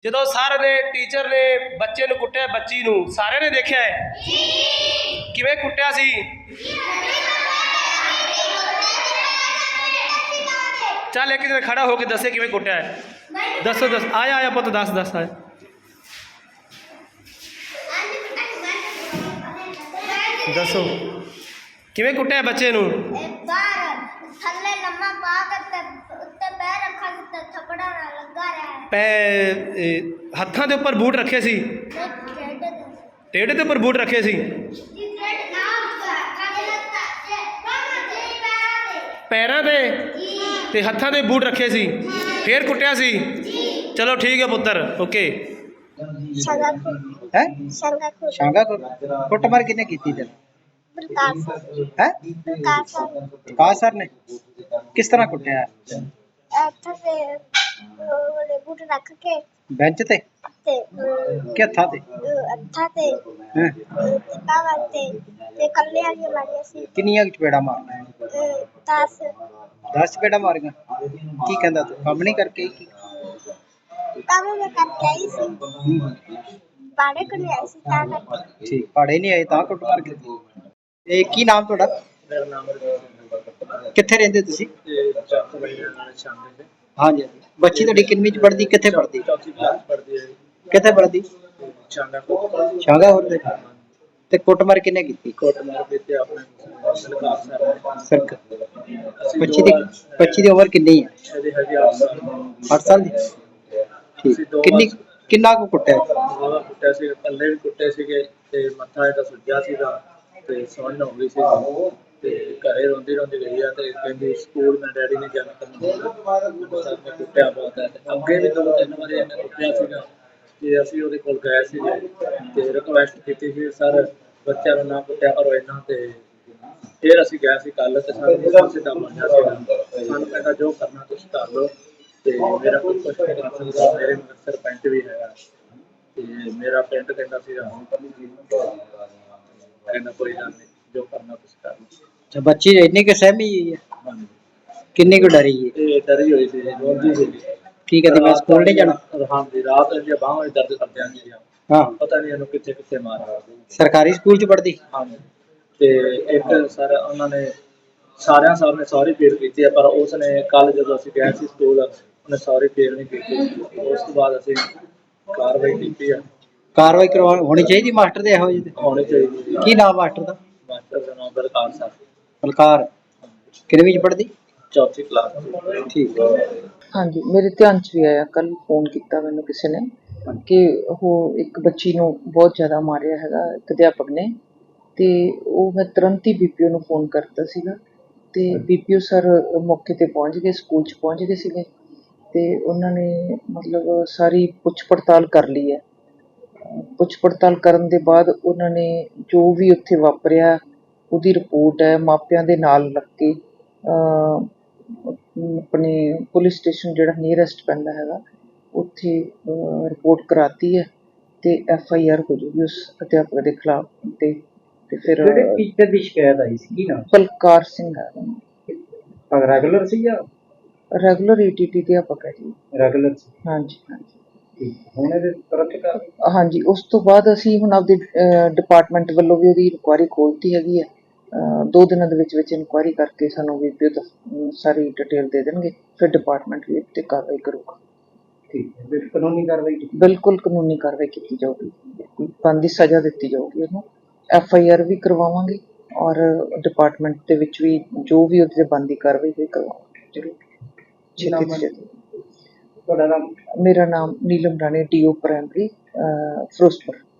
ਜਦੋਂ ਸਰ ਨੇ ਟੀਚਰ ਨੇ ਬੱਚੇ ਨੂੰ ਕੁੱਟਿਆ, ਬੱਚੀ ਨੂੰ ਸਾਰਿਆਂ ਨੇ ਦੇਖਿਆ ਹੈ ਕਿਵੇਂ ਕੁੱਟਿਆ ਸੀ। ਚੱਲ ਇੱਕ ਦਿਨ ਖੜਾ ਹੋ ਕੇ ਦੱਸੇ ਕਿਵੇਂ ਕੁੱਟਿਆ ਹੈ। ਦੱਸੋ ਦੱਸ, ਆਇਆ ਆਇਆ ਪੁੱਤ, ਦੱਸ ਦੱਸ ਆਇਆ। ਦੱਸੋ ਕਿਵੇਂ ਕੁੱਟਿਆ ਬੱਚੇ ਨੂੰ। ਹੱਥਾਂ ਦੇ ਉੱਪਰ ਬੂਟ ਰੱਖੇ ਸੀ, ਟੇਢੇ ਦੇ ਉੱਪਰ ਬੂਟ ਰੱਖੇ ਸੀ, ਪੈਰਾਂ ਦੇ ਤੇ ਹੱਥਾਂ ਦੇ ਬੂਟ ਰੱਖੇ ਸੀ, ਫੇਰ ਕੁੱਟਿਆ ਸੀ। ਚਲੋ ਠੀਕ ਹੈ ਪੁੱਤਰ, ਓਕੇ। ਹੈ ਸ਼ਾਂਗਾ ਕੁੱਟਮਾਰ ਕਿਹਨੇ ਕੀਤੀ ਤੈਨੂੰ? ਹੈ ਪ੍ਰਕਾਸ਼ ਸਰ ਨੇ। ਕਿਸ ਤਰ੍ਹਾਂ ਕੁੱਟਿਆ? ਬੂਟ ਰੱਖ ਕੇ ਬੈਂਚ ਤੇ ਕਿ ਹੱਥਾਂ ਤੇ? ਕਿੰਨੀਆਂ ਚਪੇੜਾਂ ਮਾਰੀਆਂ? 10 ਚਪੇੜਾਂ ਮਾਰੀਆਂ। ਕੀ ਕਹਿੰਦਾ ਤੂੰ ਕੰਮ ਨਹੀਂ ਕਰਕੇ? ਕੀ ਕੰਮ ਮੈਂ ਕਰਕੇ ਆਈ ਸੀ, ਪਾੜੇ ਕੋਲ ਆਈ ਸੀ ਤਾਂ ਕਰਕੇ। ਠੀਕ, ਪਾੜੇ ਨਹੀਂ ਆਏ ਤਾਂ ਕੁੱਟਮਾਰ ਕੀਤੀ। ਇਹ ਕੀ ਨਾਮ ਤੁਹਾਡਾ? ਮੇਰਾ ਨਾਮ ਕਿੱਥੇ ਰਹਿੰਦੇ ਤੁਸੀਂ? ਸ਼ਾਂਗੇ। ਹਾਂਜੀ, ਬੱਚੀ ਤੁਹਾਡੀ ਕਿੰਨਵੀਂ ਚ ਪੜ੍ਹਦੀ? ਕਿੱਥੇ ਪੜ੍ਹਦੀ? ਚੌਥੀ ਕਲਾਸ ਪੜ੍ਹਦੀ ਹੈ। ਕਿੱਥੇ ਪੜ੍ਹਦੀ? ਸ਼ਾਂਗਾ ਹੋਰ ਦੇ। ਤੇ ਕੁੱਟਮਾਰ ਕਿਹਨੇ ਕੀਤੀ? ਕੁੱਟਮਾਰ ਕੀਤੀ ਆਪਣੇ ਸਰਕਾਰ। ਬੱਚੀ ਦੀ ਉਮਰ ਕਿੰਨੀ ਹੈ? ਇਹਦੀ ਹੈਗੀ 8 ਸਾਲ। 8 ਸਾਲ ਦੀ। ਠੀਕ, ਕਿੰਨਾ ਕੁ ਕੁੱਟਿਆ? ਕੁੱਟਿਆ ਸੀ, ਪੱਲੇ ਵੀ ਕੁੱਟੇ ਸੀਗੇ ਤੇ ਮੱਥਾ ਇਹਦਾ ਸੁੱਜਿਆ ਸੀਗਾ ਤੇ ਸੁੰਨ ਹੋ ਗਈ ਸੀ ਤੇ ਘਰੇ ਰੋਂਦੀ ਰੋਂਦੀ ਗਈ ਆ ਤੇ ਕਹਿੰਦੀ ਸਕੂਲ ਮੈਂ ਡੈਡੀ ਨੇ ਜਾਣਾ ਕਰਨਾ। ਸਰ ਨੇ ਕੁੱਟਿਆ ਬਹੁਤ ਹੈ। ਅੱਗੇ ਵੀ 2-3 ਵਾਰੀ ਇਹਨੇ ਕੁੱਟਿਆ ਸੀਗਾ ਤੇ ਅਸੀਂ ਉਹਦੇ ਕੋਲ ਗਏ ਸੀ ਤੇ ਰਿਕੁਐਸਟ ਕੀਤੀ ਸੀ, ਸਰ ਬੱਚਿਆਂ ਨੂੰ ਨਾ ਕੁੱਟਿਆ ਕਰੋ ਇੰਨਾ। ਤੇ ਫਿਰ ਅਸੀਂ ਗਏ ਸੀ ਕੱਲ੍ਹ ਤੇ ਸਾਨੂੰ ਸਿੱਧਾ ਬਣਿਆ ਸੀਗਾ, ਸਾਨੂੰ ਕਹਿੰਦਾ ਜੋ ਕਰਨਾ ਤੁਸੀਂ ਕਰ ਲਓ ਤੇ ਮੇਰਾ ਕੋਈ ਕੁਛ ਨਹੀਂ ਕਰ ਸਕਦਾ, ਮੇਰੇ ਮਗਰ ਸਰਪੰਚ ਵੀ ਹੈਗਾ ਤੇ ਮੇਰਾ ਪਿੰਡ ਕਹਿੰਦਾ ਸੀਗਾ ਕਹਿੰਦਾ ਕੋਈ ਗੱਲ ਨਹੀਂ ਜੋ ਕਰਨਾ ਤੁਸੀਂ ਕਰ ਲਓ। ਬੱਚੀ ਇੰਨੀ ਕਿ ਸਹਿਮੀ ਹੋਈ ਹੈ? ਹਾਂਜੀ। ਕਿੰਨੀ ਕੁ ਡਰੀ ਹੈ? ਇਹ ਡਰੀ ਹੋਈ ਸੀ, ਰੋਂਦੀ ਸੀ। ਕੀ ਕਹਿੰਦੀ ਮੈਂ ਸਕੂਲ ਨਹੀਂ ਜਾਣਾ? ਹਾਂਜੀ, ਰਾਤ ਦੀਆਂ ਬਾਹਾਂ ਵਿੱਚ ਦਰਦ ਕਰਦਿਆਂ ਸੀਗੀਆਂ। ਹਾਂ, ਪਤਾ ਨਹੀਂ ਇਹਨੂੰ ਕਿੱਥੇ ਕਿੱਥੇ ਮਾਰਿਆ। ਸਰਕਾਰੀ ਸਕੂਲ ਚ ਪੜ੍ਹਦੀ? ਹਾਂਜੀ। ਤੇ ਇੱਕ ਸਰ ਉਹਨਾਂ ਨੇ ਸਾਰਿਆਂ ਸਾਹਮਣੇ ਸੌਰੀ ਫੀਲ ਕੀਤੀ ਹੈ, ਪਰ ਉਸ ਨੇ ਕੱਲ ਜਦੋਂ ਅਸੀਂ ਗਏ ਸੀ ਸਕੂਲ ਉਹਨੇ ਸੌਰੀ ਫੀਲ ਨਹੀਂ ਕੀਤੀ। ਉਸ ਤੋਂ ਬਾਅਦ ਅਸੀਂ ਕਾਰਵਾਈ ਕੀਤੀ ਆ। ਕਾਰਵਾਈ ਹੋਣੀ ਚਾਹੀਦੀ ਮਾਸਟਰ ਦੇ ਇਹੋ ਜਿਹੇ? ਹੋਣੀ ਚਾਹੀਦੀ। ਕੀ ਨਾਮ ਮਾਸਟਰ ਦਾ? ਮਾਸਟਰ ਦਾ ਨਾਮ ਬਲਕਾਰ ਸਰ। ਬਲਕਾਰ। ਕਿੰਨਵੀਂ ਚ ਪੜ੍ਹਦੀ? ਚੌਥੀ ਕਲਾਸ। ਠੀਕ। ਹਾਂਜੀ, ਮੇਰੇ ਧਿਆਨ 'ਚ ਵੀ ਆਇਆ, ਕੱਲ੍ਹ ਫੋਨ ਕੀਤਾ ਮੈਨੂੰ ਕਿਸੇ ਨੇ ਕਿ ਉਹ ਇੱਕ ਬੱਚੀ ਨੂੰ ਬਹੁਤ ਜ਼ਿਆਦਾ ਮਾਰਿਆ ਹੈਗਾ ਇੱਕ ਅਧਿਆਪਕ ਨੇ। ਅਤੇ ਉਹ ਮੈਂ ਤੁਰੰਤ ਹੀ BPO ਨੂੰ ਫੋਨ ਕਰਤਾ ਸੀਗਾ ਅਤੇ BPO ਸਰ ਮੌਕੇ 'ਤੇ ਪਹੁੰਚ ਗਏ, ਸਕੂਲ 'ਚ ਪਹੁੰਚ ਗਏ ਸੀਗੇ ਅਤੇ ਉਹਨਾਂ ਨੇ ਮਤਲਬ ਸਾਰੀ ਪੁੱਛ ਪੜਤਾਲ ਕਰ ਲਈ ਹੈ। ਪੁੱਛ ਪੜਤਾਲ ਕਰਨ ਦੇ ਬਾਅਦ ਉਹਨਾਂ ਨੇ ਜੋ ਵੀ ਉੱਥੇ ਵਾਪਰਿਆ ਉਹਦੀ ਰਿਪੋਰਟ ਹੈ ਮਾਪਿਆਂ ਦੇ ਨਾਲ ਲੱਗ ਕੇ ਆਪਣੇ ਪੁਲਿਸ ਸਟੇਸ਼ਨ ਜਿਹੜਾ ਨੀਅਰੈਸਟ ਪੈਂਦਾ ਹੈਗਾ ਉੱਥੇ ਰਿਪੋਰਟ ਕਰਾਤੀ ਹੈ ਅਤੇ FIR ਹੋ ਜੂਗੀ ਉਸ ਅਧਿਆਪਕ ਦੇ ਖਿਲਾਫ। ਅਤੇ ਫਿਰ ਟੀਚਰ ਦੀ ਸ਼ਿਕਾਇਤ ਆਈ ਸੀ, ਕੀ ਨਾਮ? ਬਲਕਾਰ ਸਿੰਘ ਹੈ। ਰੈਗੂਲਰ ਸੀ ਜਾਂ? ਰੈਗੂਲਰ ETT ਅਧਿਆਪਕ ਹੈ ਜੀ। ਰੈਗੂਲਰ ਸੀ। ਹਾਂਜੀ ਹਾਂਜੀ। ਹੁਣ ਇਹਦੇ ਤੁਰੰਤ ਹਾਂਜੀ, ਉਸ ਤੋਂ ਬਾਅਦ ਅਸੀਂ ਹੁਣ ਆਪਦੇ ਡਿਪਾਰਟਮੈਂਟ ਵੱਲੋਂ ਵੀ ਉਹਦੀ ਇਨਕੁਆਇਰੀ ਖੋਲ੍ਹਤੀ ਹੈਗੀ ਹੈ। 2 ਦਿਨਾਂ ਦੇ ਵਿੱਚ ਇਨਕੁਆਇਰੀ ਕਰਕੇ ਸਾਨੂੰ BPO ਤੋਂ ਸਾਰੀ ਡਿਟੇਲ ਦੇ ਦੇਣਗੇ, ਫਿਰ ਡਿਪਾਰਟਮੈਂਟ ਵੀ ਉੱਤੇ ਕਾਰਵਾਈ ਕਰੂਗਾ। ਠੀਕ ਹੈ, ਫਿਰ ਕਾਨੂੰਨੀ ਕਾਰਵਾਈ? ਬਿਲਕੁਲ ਕਾਨੂੰਨੀ ਕਾਰਵਾਈ ਕੀਤੀ ਜਾਊਗੀ, ਬਣਦੀ ਸਜ਼ਾ ਦਿੱਤੀ ਜਾਊਗੀ ਉਹਨੂੰ। FIR ਵੀ ਕਰਵਾਵਾਂਗੇ ਔਰ ਡਿਪਾਰਟਮੈਂਟ ਦੇ ਵਿੱਚ ਵੀ ਜੋ ਵੀ ਉਹਦੇ 'ਤੇ ਬਣਦੀ ਕਾਰਵਾਈ ਵੀ ਕਰਵਾਵਾਂਗੇ ਜ਼ਰੂਰ। ਛੇਤੀ ਤੋਂ ਛੇਤੀ। ਤੁਹਾਡਾ ਨਾਮ? ਮੇਰਾ ਨਾਮ ਨੀਲਮ ਰਾਣੀ, DO ਪ੍ਰਾਇਮਰੀ ਫਿਰੋਜ਼ਪੁਰ।